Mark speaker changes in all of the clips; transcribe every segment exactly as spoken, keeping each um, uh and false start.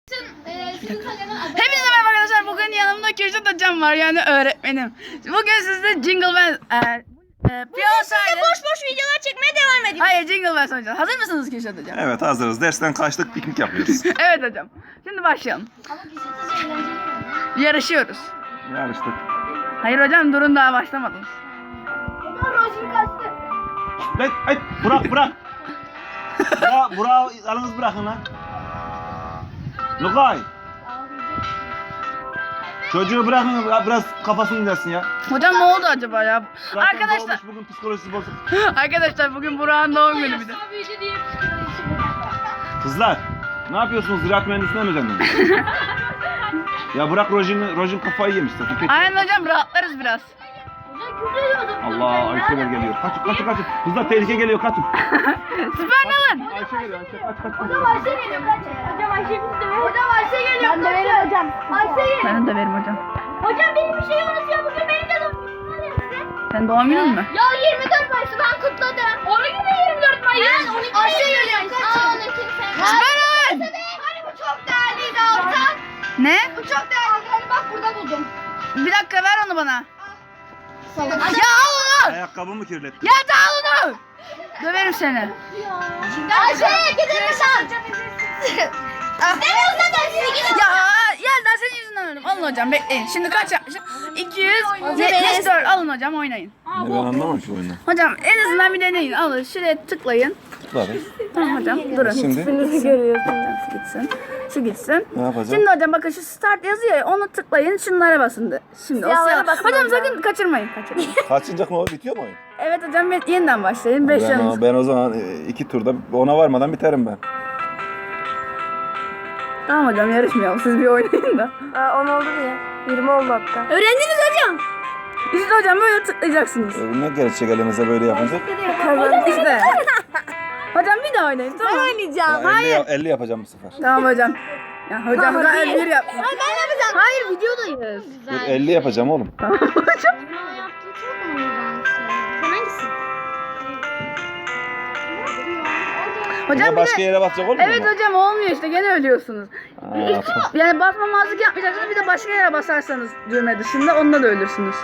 Speaker 1: Hepinize merhaba arkadaşlar. Bugün yanımda Kürşat hocam var, yani öğretmenim. Bugün sizde Jingle Bells e, e,
Speaker 2: Piyasayla boş boş videolar çekmeye devam ediyoruz.
Speaker 1: Hayır, Jingle Bells oynayacağız. Hazır mısınız Kürşat hocam?
Speaker 3: Evet, hazırız. Dersten kaçtık, piknik yapıyoruz.
Speaker 1: Evet hocam. Şimdi başlayalım. Yarışıyoruz.
Speaker 3: Yarıştık.
Speaker 1: Hayır hocam, durun, daha başlamadınız.
Speaker 2: Rojin kaçtı.
Speaker 3: Lan, ay, bırak, bırak. Burak, Burak'ı yalnız bırakın lan. Lukay. Çocuğu bırakın, biraz kafasını dinlersin ya.
Speaker 1: Hocam ne oldu acaba ya?
Speaker 3: Zaten
Speaker 1: Arkadaşlar.
Speaker 3: doğmuş, bugün psikolojisi bozuk.
Speaker 1: Arkadaşlar bugün Burak'ın doğum günü bir de.
Speaker 3: Kızlar, ne yapıyorsunuz? Ziraat mühendisine mi özendiniz? Ya bırak Rojin, Rojin kafayı yemiş zaten.
Speaker 1: Aynen hocam, rahatlarız biraz.
Speaker 3: Allah, Ayşeler geliyor. Kaçın, kaçın, kaçın. Kızlar, tehlike geliyor, kaçın.
Speaker 1: Süper Nalan.
Speaker 3: Ayşe geliyor, Ayşe, kaç, kaç, kaç.
Speaker 2: Hocam Ayşe geliyor kaç. Hocam Ayşe bizi dövüyor. Hocam Ayşe geliyor. Ben döverim hocam. Ayşe geliyor.
Speaker 1: Ben de verim hocam.
Speaker 2: Hocam benim bir şey unutuyor. Bugün benim de doğum günüm var ya size.
Speaker 1: Sen doğum günün mü?
Speaker 2: Ya yirmi dört Mayıs'ı ben kutladım. Onun gibi yirmi dört Mayıs. Ben on iki Ayşe geliyor. Aa on iki
Speaker 1: Süper Nalan.
Speaker 2: Hani bu çok değerliydi Altan.
Speaker 1: Ne?
Speaker 2: Bu çok değerliydi. Hani bak burada buldum.
Speaker 1: Bir dakika, ver onu bana. Ya al onu.
Speaker 3: Ayakkabımı kirlettin.
Speaker 1: Ya da al onu. Döverim seni.
Speaker 2: Ayşe gidelim sen. İstemiyorsan da size gidelim.
Speaker 1: Ya yerden senin yüzünden öldüm. Alın hocam, bekleyin. Şimdi kaç yapmışım? iki yüz yetmiş dört. Alın hocam, oynayın.
Speaker 3: Ne, ben anlamam ki oyunu.
Speaker 1: Hocam en azından bir deneyin. Alın, şuraya tıklayın.
Speaker 3: Tıklarız.
Speaker 1: Tamam hocam, durun.
Speaker 3: Şimdi?
Speaker 1: Hiçbirinizi görüyorsunuz. Şu gitsin. Şu gitsin.
Speaker 3: Ne yapacağım?
Speaker 1: Şimdi hocam bakın, şu start yazıyor ya, onu tıklayın. Şunlara basın de. Şimdi o siyah. Hocam sakın kaçırmayın. Kaçırmayın.
Speaker 3: Kaçıncak mı o? Bitiyor mu oyun?
Speaker 1: Evet hocam, ben- yeniden başlayın. beş
Speaker 3: Ben
Speaker 1: yanınız.
Speaker 3: o, ben o zaman e, iki turda ona varmadan biterim ben.
Speaker 1: Tamam hocam, yarışmayalım. Siz bir oynayın da.
Speaker 2: Aa, on oldu ya. yirmi oldu hatta. Öğrendiniz hocam.
Speaker 1: İşte hocam böyle tıklayacaksınız.
Speaker 3: E, ne gelecek elinize böyle yapınca?
Speaker 1: Kazandık işte. Hocam bir daha oynayın, tamam mı?
Speaker 2: Oynayacağım.
Speaker 3: elli, ya- elli yapacağım bu sefer.
Speaker 1: Tamam hocam. Ya hocam gayet bir yap.
Speaker 2: Ben yapacağım.
Speaker 1: Hayır, videodayız.
Speaker 3: Dur, elli yapacağım oğlum.
Speaker 1: Tamam hocam.
Speaker 2: Sen hangisi?
Speaker 1: Hocam
Speaker 3: Yine
Speaker 1: bir
Speaker 3: başka
Speaker 1: de...
Speaker 3: yere basacak olmuyor
Speaker 1: Evet
Speaker 3: mu?
Speaker 1: hocam, olmuyor işte, gene ölüyorsunuz.
Speaker 3: Aa, tamam.
Speaker 1: Yani basmamazlık yapmayacaksınız, bir de başka yere basarsanız düğme dışında, onda da ölürsünüz.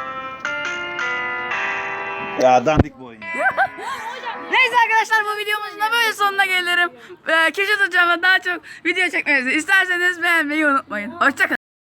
Speaker 3: Ya dandik bu oyun.
Speaker 1: Neyse arkadaşlar, bu videomuzun da böyle sonuna gelirim. Ee, Kürşat hocamla daha çok video çekmenizi isterseniz beğenmeyi unutmayın. Hoşçakalın.